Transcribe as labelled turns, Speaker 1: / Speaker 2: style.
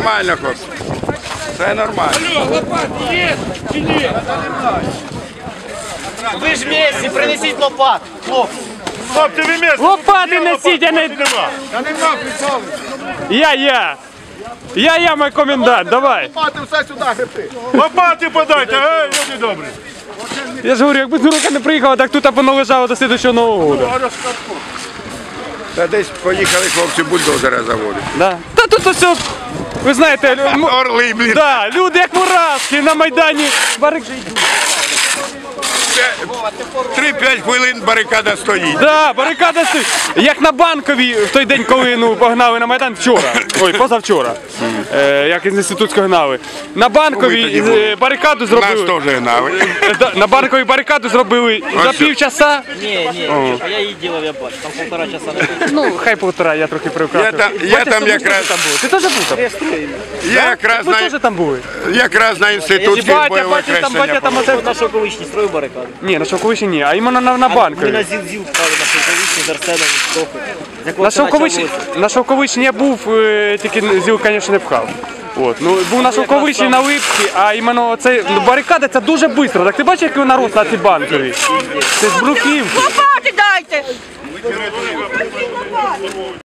Speaker 1: нормально, хлопці. Все нормально.
Speaker 2: Лопати є чи ні?
Speaker 3: Ви ж місці, принесіть лопат, хлопці.
Speaker 2: Хлопці, ви місце.
Speaker 4: Лопати несіть, а не...
Speaker 1: Та нема прицолу.
Speaker 4: Я мой комендант, давай.
Speaker 1: Лопати все сюди гребти.
Speaker 2: Лопати подайте, ей, люди добрі.
Speaker 4: Я ж говорю, якби Дурука не приїхала, так тут або лежало до слідчого Нового року.
Speaker 1: Та десь поїхали хлопці бульдозера заводити.
Speaker 4: Да. Та тут все, ви знаєте,
Speaker 1: Орли, блін.
Speaker 4: да, люди як муравські на Майдані. Барик же йдуть.
Speaker 1: 3-5 хвилин барикада стоїть.
Speaker 4: Да, барикада стоїть. Як на Банковій в той день, коли погнали на Майдан вчора. Ой, позавчора. Як із інститутського гнали. На Банковій барикаду
Speaker 1: Нас
Speaker 4: зробили.
Speaker 1: теж гнали.
Speaker 4: На Банковій барикаду зробили за півчаса.
Speaker 3: Ні, а я її ділав, я бачу, там 1,5 часа не було.
Speaker 4: Ну, хай 1,5, я трохи привкрасив.
Speaker 1: Я там якраз...
Speaker 4: Ти теж був там?
Speaker 1: Я якраз
Speaker 4: Ви теж там були?
Speaker 1: на інститутських бойових
Speaker 4: Батя там оце...
Speaker 3: На Шовковичній строїв барикаду.
Speaker 4: Ні, на Шовковичі ні, а іменно на
Speaker 3: Ми
Speaker 4: Банковій.
Speaker 3: на ЗІЛ впали на Шовковичній, з Арсеном, з Тохою.
Speaker 4: На Шовковичі я був, тільки ЗІЛ, звісно, не пхав. От. Ну, був на Шовковичі, на Липці, а іменно це барикада, це дуже швидко. Так ти бачиш, який народ на цій Банковій? Це з бруківки.
Speaker 5: Лопати дайте!